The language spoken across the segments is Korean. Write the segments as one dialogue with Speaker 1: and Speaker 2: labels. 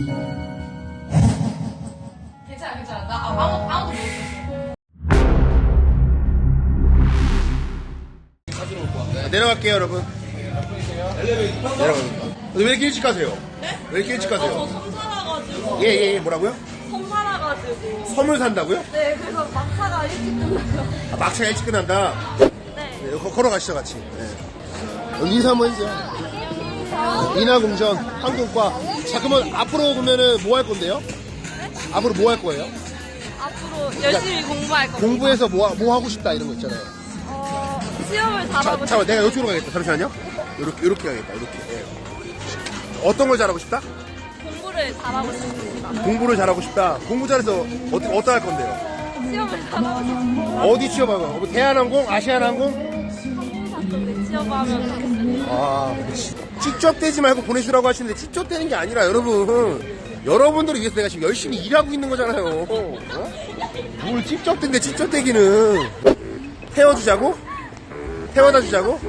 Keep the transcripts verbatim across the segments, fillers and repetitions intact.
Speaker 1: 괜찮아, 괜찮아. 나 아무, 아무도 못
Speaker 2: 네, 내려갈게요, 여러분. 내려가요. 왜 이렇게 일찍 가세요?
Speaker 1: 네?
Speaker 2: 왜 이렇게 일찍 가세요?
Speaker 1: 저 섬 살아가지고.
Speaker 2: 예, 예, 예, 뭐라고요?
Speaker 1: 섬 살아가지고.
Speaker 2: 섬을 산다고요?
Speaker 1: 네, 그래서 막차가 일찍 끝나요.
Speaker 2: 아, 막차가 일찍 끝난다.
Speaker 1: 네.
Speaker 2: 네, 거- 걸어가시죠, 같이. 네. 인사 한번 해주세요. 인하공전, 한국과. 자, 그러면 앞으로 보면은 뭐 할 건데요? 앞으로 뭐 할 거예요?
Speaker 1: 앞으로 열심히 공부할 겁니다.
Speaker 2: 공부해서 뭐, 하- 뭐 하고 싶다, 이런 거 있잖아요.
Speaker 1: 어, 시험을
Speaker 2: 자,
Speaker 1: 잘하고
Speaker 2: 잠깐
Speaker 1: 싶어요.
Speaker 2: 내가 이쪽으로 가겠다. 잠시만요. 이렇게, 이렇게 가겠다, 이렇게. 예. 어떤 걸 잘하고 싶다?
Speaker 1: 공부를 잘하고 싶습니다.
Speaker 2: 공부를 잘하고 싶다. 공부 잘해서 어떻게, 어떻게 할 건데요?
Speaker 1: 시험을 잘하고 싶습니다.
Speaker 2: 어디 취업하고? 뭐 대한항공? 아시아나항공?
Speaker 1: 항공사 쪽에 취업하면 좋겠습니다.
Speaker 2: 아, 그렇지. 찝쩍대지 말고 보내주라고 하시는데 찝쩍대는 게 아니라 여러분, 여러분들을 위해서 내가 지금 열심히 일하고 있는 거잖아요. 어? 뭘 찝쩍댄데 찝쩍대기는. 태워주자고? 태워다 주자고?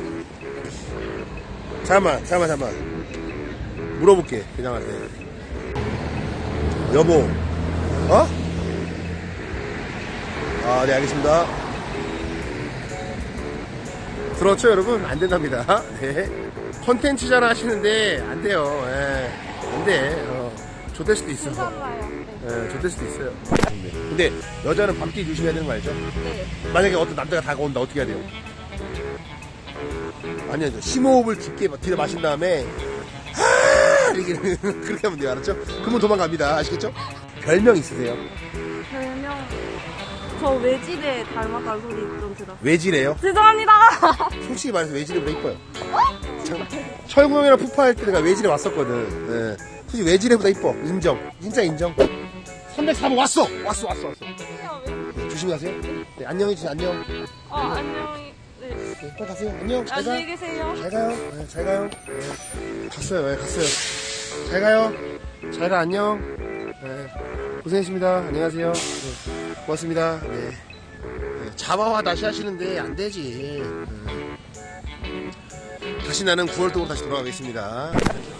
Speaker 2: 잠깐만, 잠깐만, 잠깐만. 물어볼게, 회장한테. 여보, 어? 아, 네, 알겠습니다. 그렇죠, 여러분? 안 된답니다. 네. 컨텐츠잖아 하시는데, 안 돼요. 예. 안 돼. 어. 좆될 수도 있어.
Speaker 1: 괜찮아요. 네.
Speaker 2: 예, 좆될 수도 있어요. 근데, 여자는 밤길 조심해야 되는 거 알죠?
Speaker 1: 네.
Speaker 2: 만약에 어떤 남자가 다가온다, 어떻게 해야 돼요? 아니요, 심호흡을 깊게 들여 마신 다음에, 하! 이렇게, 그렇게 하면 돼요. 알았죠? 그러면 도망갑니다. 아시겠죠? 별명 있으세요?
Speaker 1: 별명, 저 외집에 닮았다는 소리 좀 들었어요.
Speaker 2: 외지래요?
Speaker 1: 죄송합니다.
Speaker 2: 솔직히 말해서 외지래보다 이뻐요. 참, 철구 형이랑 푸파할 때 내가 외지래 왔었거든. 예. 솔직히 외지래보다 이뻐. 인정. 진짜 인정. 삼백사 번 왔어! 왔어, 왔어, 왔어. 네, 조심히 가세요. 네, 안녕히 계세요, 안녕.
Speaker 1: 어, 안녕히, 네.
Speaker 2: 네, 빨리 가세요. 안녕. 잘 가.
Speaker 1: 안녕히 계세요.
Speaker 2: 잘 가요. 네, 잘 가요. 네. 갔어요. 네, 갔어요. 잘 가요. 잘 가. 안녕. 네. 고생했습니다. 안녕하세요. 네. 고맙습니다. 네. 네. 자바와 다시 하시는데 안 되지. 네. 다시 나는 구월동으로 다시 돌아가겠습니다.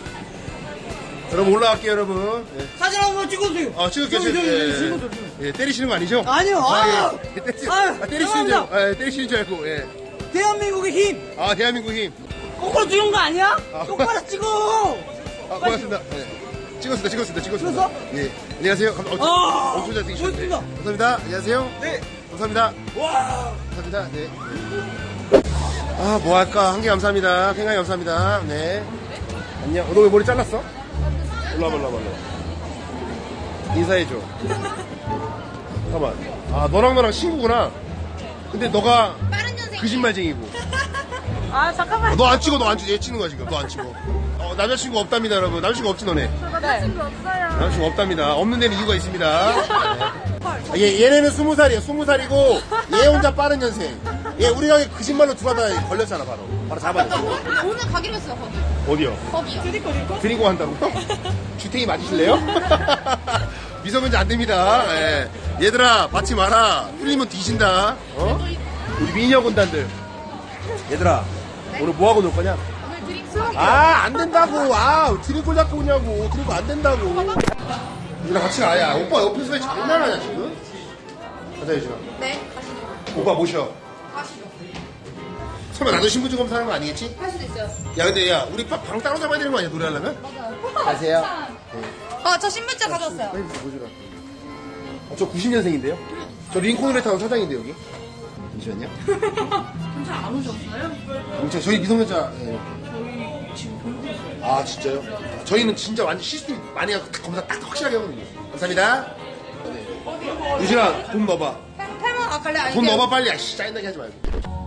Speaker 2: 여러분 올라갈게요, 여러분. 네.
Speaker 3: 사진 한번 찍어주세요.
Speaker 2: 아, 찍을게요.
Speaker 3: 저기, 저기,
Speaker 2: 예,
Speaker 3: 저기,
Speaker 2: 예.
Speaker 3: 찍어줘, 찍어줘.
Speaker 2: 예, 때리시는 거 아니죠?
Speaker 3: 아니요.
Speaker 2: 아,
Speaker 3: 아,
Speaker 2: 예. 때리,
Speaker 3: 아유,
Speaker 2: 아, 때리시는 줄 알고,
Speaker 3: 죄송합니다.
Speaker 2: 예, 때리시는 줄 알고, 예.
Speaker 3: 대한민국의 힘.
Speaker 2: 아, 대한민국 힘.
Speaker 3: 거꾸로 찍은 거 아니야?
Speaker 2: 아.
Speaker 3: 똑바로 찍어.
Speaker 2: 아, 고맙습니다. 네. 찍었습니다, 찍었습니다, 찍었습니다.
Speaker 3: 찍었어?
Speaker 2: 예. 안녕하세요. 감, 어,
Speaker 3: 아,
Speaker 2: 엄청 잘생기셨네.
Speaker 3: 고맙습니다.
Speaker 2: 감사합니다. 안녕하세요.
Speaker 3: 네.
Speaker 2: 감사합니다.
Speaker 3: 와.
Speaker 2: 감사합니다. 네. 아, 뭐 할까? 한 개 감사합니다. 생각이 감사합니다. 네. 안녕. 어, 너 왜 머리 잘랐어? 올라와, 올라와, 올라와. 인사해줘. 잠깐만. 아, 너랑 너랑 친구구나. 근데 너가 거짓말쟁이고.
Speaker 1: 아, 잠깐만.
Speaker 2: 너 안 찍어, 너 안 찍어. 얘 찍는 거야, 지금. 너 안 찍어. 어, 남자친구 없답니다, 여러분. 남자친구 없지, 너네?
Speaker 1: 남자친구 없어요.
Speaker 2: 남자친구 없답니다. 없는 데는 이유가 있습니다. 네. 아, 얘, 얘네는 스무 살이에요. 스무 살이고, 얘 혼자 빠른 년생. 얘 우리 가게 거짓말로 들어가다 걸렸잖아, 바로. 바로 잡아냈어.
Speaker 4: 오늘 가기로 했어요, 거기.
Speaker 2: 어디요?
Speaker 4: 거기요.
Speaker 2: 드리고 한다고요? 주택이 맞으실래요? 미성년자 안 됩니다. 예. 얘들아, 받지 마라. 풀리면 뒤진다. 어? 우리 미녀 군단들. 얘들아, 오늘 뭐 하고 놀 거냐?
Speaker 4: 오늘 드링크.
Speaker 2: 아, 안 된다고. 아, 드링크 잡고 오냐고. 드링크 안 된다고. 유진아, 같이 가. 야, 오빠 옆에서 왜 장난하냐, 지금? 가자, 유진아.
Speaker 4: 네, 가시죠.
Speaker 2: 오빠 모셔.
Speaker 4: 가시죠.
Speaker 2: 설마 나도 신분증 검사하는 거 아니겠지?
Speaker 4: 할 수도 있어요.
Speaker 2: 야, 근데 야, 우리 방, 방 따로 잡아야 되는 거 아니야, 노래하려면?
Speaker 4: 맞아요.
Speaker 2: 가세요.
Speaker 4: 아, 저 신분증 가져왔어요.
Speaker 2: 빨리 보여주라. 어, 저 구십 년생인데요? 저 링컨으로 타운 사장인데, 여기. 잠시만요.
Speaker 1: 경찰 안 오셨어요?
Speaker 2: 경찰, 저희 미성년자. 예. 저희 지금 보고 있어요. 아, 진짜요? 아, 저희는 진짜 완전 시스템 많이 하고 딱 검사 딱 확실하게 하거든요. 감사합니다. 네. 유진아, 돈 넣어봐.
Speaker 4: 팔만, 아, 갈래? 아니,
Speaker 2: 돈 넣어봐, 빨리. 아씨, 짜증나게 하지 말고.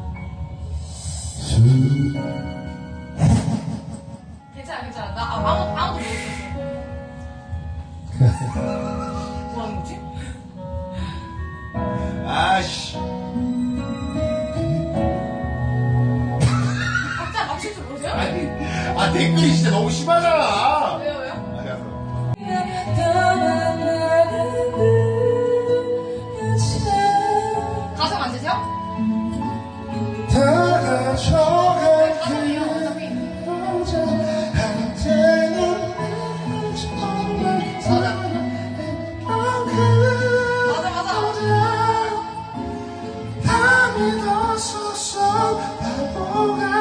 Speaker 1: 괜찮아, 괜찮아. 나 아무, 아무도 못 뭐 하는 거지?
Speaker 2: 아씨.
Speaker 1: 각자 맞출 줄 모르세요?
Speaker 2: 아니, 아, 댓글이 진짜 너무 심하잖아.
Speaker 1: 왜요, 왜요?
Speaker 2: 아니, 알았어.
Speaker 4: 가서 만드세요?
Speaker 2: 다 가져갈
Speaker 4: 가성이요, 어차피.
Speaker 2: 한때는 정말 믿었었어 바보가